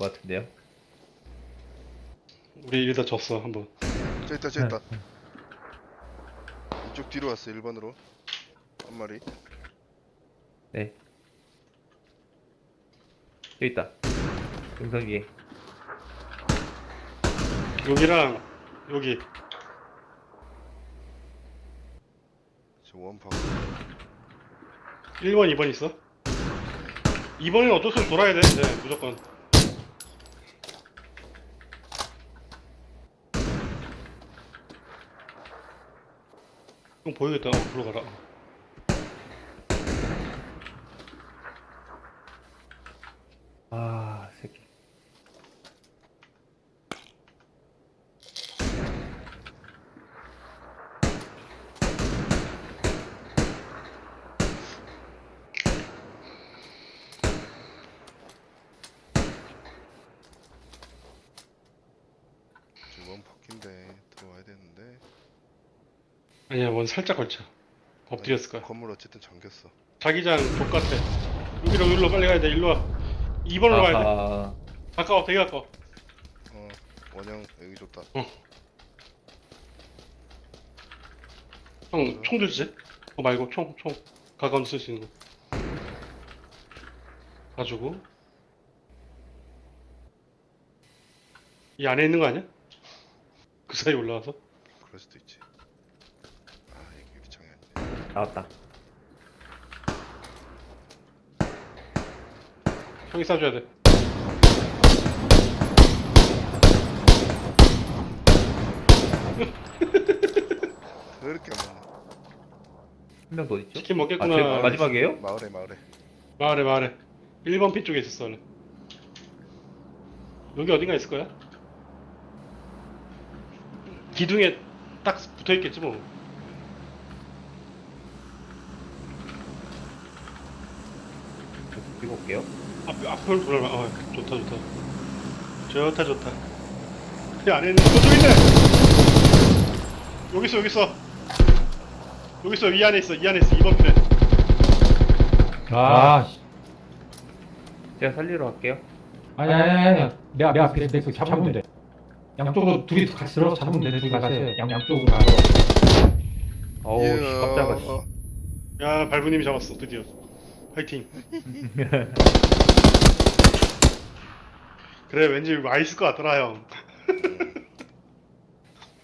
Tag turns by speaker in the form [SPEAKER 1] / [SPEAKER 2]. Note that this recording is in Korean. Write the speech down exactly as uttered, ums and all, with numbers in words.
[SPEAKER 1] 것 같은데요.
[SPEAKER 2] 우리 이러다 졌어 한번.
[SPEAKER 3] 저 있다 저 있다. 이쪽 뒤로 왔어. 일 번으로 한 마리.
[SPEAKER 1] 네. 여기 있다. 등선 위에.
[SPEAKER 2] 여기랑 여기.
[SPEAKER 3] 저 원파.
[SPEAKER 2] 일 번, 이 번 있어. 이 번은 어쩔 수 없이 돌아야 돼. 네, 무조건. 형 보이겠다. 어, 들어가라.
[SPEAKER 1] 아, 새끼.
[SPEAKER 3] 저 원파인데 들어와야 되는데.
[SPEAKER 2] 아니야, 원 살짝 걸쳐. 엎드렸을 거야.
[SPEAKER 3] 건물 어쨌든 잠겼어.
[SPEAKER 2] 자기장 족같아. 여기로, 여기로 빨리 가야 돼. 일로 와. 이 번으로 가야 돼.
[SPEAKER 1] 아하.
[SPEAKER 2] 가까워, 되게 가까워.
[SPEAKER 3] 어 원형 여기 좋다.
[SPEAKER 2] 형, 총 들지? 어, 말고, 총, 총. 가까운 데 쓸 수 있는 거. 가지고. 이 안에 있는 거 아니야? 그 사이 올라와서?
[SPEAKER 3] 그럴 수도 있지. 아 이게 유리창이 아니네.
[SPEAKER 1] 나왔다.
[SPEAKER 2] 형이 쏴줘야 돼.
[SPEAKER 3] 그렇게 뭐
[SPEAKER 1] 한 명 더 있죠?
[SPEAKER 2] 치킨
[SPEAKER 1] 아,
[SPEAKER 2] 먹겠구나.
[SPEAKER 1] 제 마지막이에요?
[SPEAKER 3] 마을에 마을에.
[SPEAKER 2] 마을에, 마을에. 일 번 핀 쪽에 있었어, 원래. 여기 어딘가 있을 거야? 기둥에 딱 붙어 있겠지, 뭐.
[SPEAKER 1] 이거 올게요.
[SPEAKER 2] 앞, 앞을 돌아봐. 어, 좋다, 좋다. 좋다, 좋다. 이 안에 있는, 저쪽 있네! 여기 있어, 여기 있어. 여기 있어, 이 안에 있어, 이 안에 있어, 이 번 핀에.
[SPEAKER 4] 아, 씨.
[SPEAKER 1] 제가 살리러 갈게요.
[SPEAKER 4] 아니, 아니, 아니, 아니. 내, 앞- 내 앞에 내 그 잡으면 돼. 양쪽으로 둘이 같이 들어서 잡으면 돼. 둘이 가서 양, 양쪽으로 가서.
[SPEAKER 1] 어우, 씨, 깜짝아, 씨.
[SPEAKER 3] 어,
[SPEAKER 2] 야, 발부님이 잡았어, 드디어. 화이팅. 그래, 왠지 와 있을 것 같더라, 형.